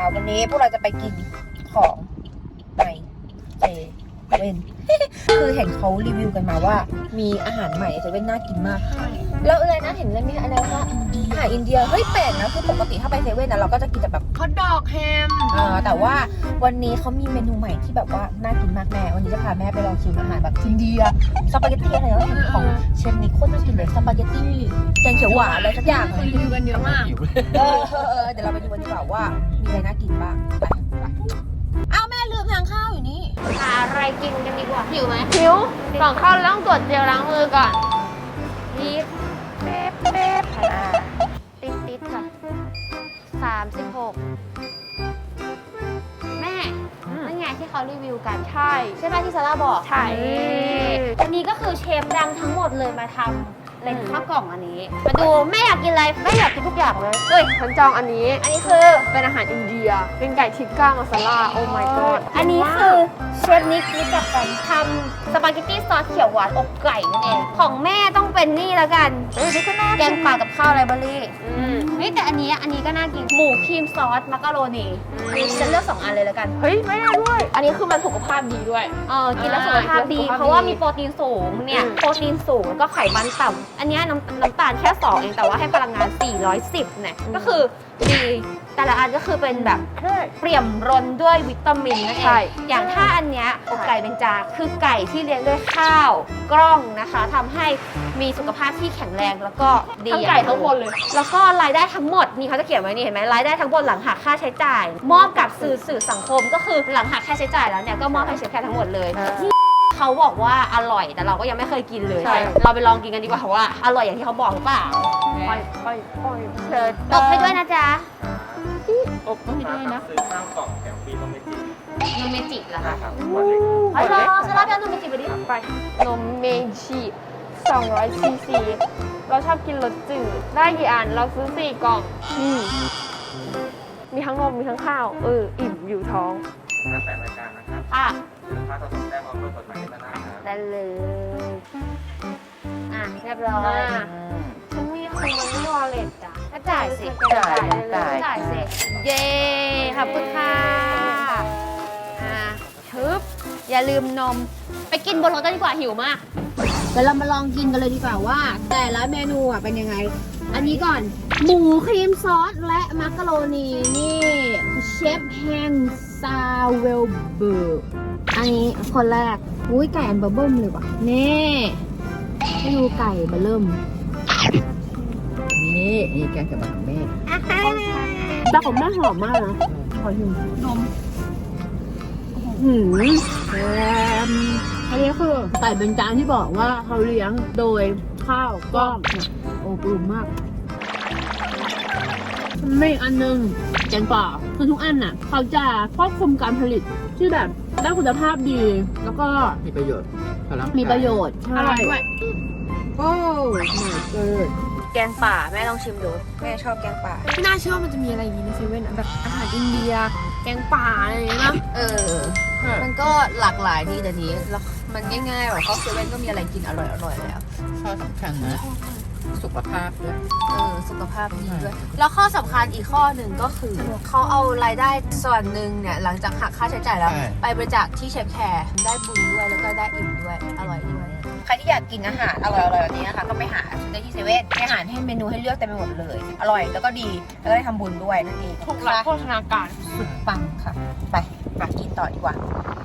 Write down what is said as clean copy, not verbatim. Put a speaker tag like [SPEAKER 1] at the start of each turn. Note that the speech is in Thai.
[SPEAKER 1] วันนี้พวกเราจะไปกินของในเซเว่น คือเห็นเขารีวิวกันมาว่ามีอาหารใหม่ในเซเว่นน่ากินมากแล้วอะไรนะเห็นอะไรไหมอะไรว่าอาหารอินเดียเฮ้ยแปลกนะคือปกติถ้าไปเซเว่นนะเราก็จะกินแต่แบบ
[SPEAKER 2] ฮอทดอกแฮม
[SPEAKER 1] แต่ว่าวันนี้เขามีเมนูใหม่ที่แบบว่าน่ากินมากแม่วันนี้จะพาแม่ไปลองชิมอาหารแบบอินเดียสปาเกตตี้อะไรแล้วของเชฟนิกโคตรน่ากินเลยสปาเกตตี้แกงเขียวหวานอะไรสักอย่าง
[SPEAKER 2] คนรีวิวกันเยอะมาก
[SPEAKER 1] เดี๋ยวเราไปดูกันดีกว่าว่ามีอะไรน่ากินบ้างไปอ้าวแม่ลืมทางข้าวอยู่นี่
[SPEAKER 3] หาอะไรกินกันดีกว่าหิวไหม
[SPEAKER 2] หิวก่อนเข้าเราต้องตรวจเจลล้างมือก่อน
[SPEAKER 3] รีบเป๊บเป๊บติดค่ะ36แม่นั่นไงที่เขารีวิวกันใช่ป่ะที่ซาร่าบอก
[SPEAKER 2] ใช่
[SPEAKER 3] อันนี้ก็คือเชฟดังทั้งหมดเลยมาทำเป็นข้าวกล่องอันนี้ มาดูแม่อยากกินอะไรแม่อยากกินทุกอย่างเลย
[SPEAKER 2] เฮ้ยฉันจองอันนี้
[SPEAKER 3] อันนี้คือ
[SPEAKER 2] เป็นอาหารอินเดีย เป็นไก่ทิกก้ามาซาล่า โอ้ my god
[SPEAKER 3] อันนี้คือเชฟนิกรู้จักกันทำสปาเกตตี้ซอสเขียวหวานอบไก่นั่นเองของแม่ต้องเป็นนี่แล้วกันแกงป่ากับข้าวไรเบอรี่เฮ้ยแต่อันนี้ก็น่ากินหมูครีมซอสมักกะโรนีฉันเลือก2 อันเลยแล้วกัน
[SPEAKER 2] เฮ้ย ไม่ได้ด้วย อันนี้คือมันสุขภาพดีด้วย
[SPEAKER 3] กินแล้วสุขภาพดี
[SPEAKER 2] สุขภาพดี
[SPEAKER 3] เพราะว่ามีโปรตีนสูงเนี่ยโปรตีนสูงแล้วก็ไขมันต่ำอันเนี้ยน้ำตาลแค่2เองแต่ว่าให้พลังงาน410เนี่ยก็คือดีแต่ละอันก็คือเป็นแบบเปี่ยมร้นด้วยวิตามินนั่นเอ
[SPEAKER 2] ใช่
[SPEAKER 3] งอย่างถ้าอันเนี้ยอกไก่เบญจาคือไก่ที่เลี้ยงด้วยข้าวกล้องนะคะทำให้มีสุขภาพที่แข็งแรงแล้วก็ดี
[SPEAKER 2] ทั้งไก่ทั้งคนเลย
[SPEAKER 3] แล้วก็รายได้ทั้งหมดนี่เขาจะเขียนไว้นี่เห็นไหมรายได้ทั้งหมดหลังหักค่าใช้จ่าย มอบกับสื่อสังคมก็คือหลังหักค่าใช้จ่ายแล้วเนี่ยก็มอบให้เชฟแคททั้งหมดเลยเขาบอกว่าอร่อยแต่เราก็ยังไม่เคยกินเลย
[SPEAKER 2] ใช่
[SPEAKER 3] เราไปลองกินกันดีกว่าว่าอร่อยอย่างที่เขาบอกหรือเปล่า
[SPEAKER 2] ค่อยเชิญ
[SPEAKER 3] ตบให้ด้วยนะจ๊ะ
[SPEAKER 2] อบให้ด้วยนะ
[SPEAKER 4] ซื้อข้าวกล่องแถมฟรีต้องไม่จริง
[SPEAKER 3] นมเมจิเหรอคะ
[SPEAKER 4] นะครับวันเล็ก
[SPEAKER 3] อ๋อเหรอสลับเอานมเมจิไปดิ
[SPEAKER 2] ไปนมเมจิ200 ซีซี เราชอบกินรสจืด ได้กี่อัน เราซื้อ 4 กล่อง มีทั้งนม มีทั้งข้าว อิ่มอยู่ท้อง
[SPEAKER 4] งานแต่รายการนะครับ
[SPEAKER 3] อ่ะ
[SPEAKER 4] ซื้อข้าวจะส่งแจ้งมาเพื่อกดหมายเลขหน้าครับ
[SPEAKER 3] ได้เลยอ่ะเรียบร้อย
[SPEAKER 2] ฉันมีคือมันไม่วอลเล็ตจ้ะ
[SPEAKER 3] ก็จ่ายสิ
[SPEAKER 2] จ่าย
[SPEAKER 3] สิเย้ขอบคุณค่ะชึบอย่าลืมนมไปกินบนรถกันดีกว่าหิวมาก
[SPEAKER 1] เดี๋ยวเรามาลองกินกันเลยดีกว่าว่า แต่ละเมนูอ่ะเป็นยังไง อันนี้ก่อนหมูครีมซอสและมักกะโรนีนี่เชฟแฮงซาเวลเบิร์กอันนี้คนแรกอุ้ยไก่อันเบิ่มเลยว่ะนี่ให้ดูไก่เบิ่มนี่แกงเขียวหวานของแม่แต่ของแม่หอมมากนะขอชิมนมอันนี้คือไก่เบญจางที่บอกว่าเขาเลี้ยงโดยข้าวกล้องโอ้ปรุงมากไม่อันนึงแกงป่าคือทุกอันน่ะเขาจะควบคุมการผลิตที่แบบได้คุณภาพดีแล้วก็มีประโยชน์ใช่
[SPEAKER 2] อร่อยด้วย
[SPEAKER 1] โอ้my god แกงป่าแม่ลองชิมดูแม่ชอบแกงป่า
[SPEAKER 2] ไม่น่าเชื่อว่ามันจะมีอะไรอย่างนี้ในเซเว่นอะแบบอาหารอินเดีย แกงป่าอะไรอย่างเงี้ยนะ
[SPEAKER 1] มันก็หลากหลายดีแต่นี้แล้วมันง่ายๆแบบเข้าเซเว่นก็มีอะไรกินอร่อยๆแล้ว
[SPEAKER 5] ข้อสำคัญนะสุขภาพด้วย
[SPEAKER 1] สุขภาพดีด้วยแล้วข้อสำคัญอีกข้อหนึ่งก็คือเขาเอารายได้ส่วนหนึ่งเนี่ยหลังจากหักค่าใช้จ่ายแล้ว ไปบริจาคที่เชฟแคร์ได้บุญด้วยแล้วก็ได้อิ่มด้วยอร่อยด้วยใครที่อยากกินอาหารอร่อยๆแบบนี้นะคะก็ไปหาซื้อได้ที่เซเว่นมีอาหารให้เมนูให้เลือกเต็มไปหมดเลยอร่อยแล้วก็ดีแล้วก็ได้ทำบุญด้วยนั่นเอง
[SPEAKER 2] ถูกหลักโภชนาการ
[SPEAKER 1] สุดปังค่ะไปกินต่อดีกว่า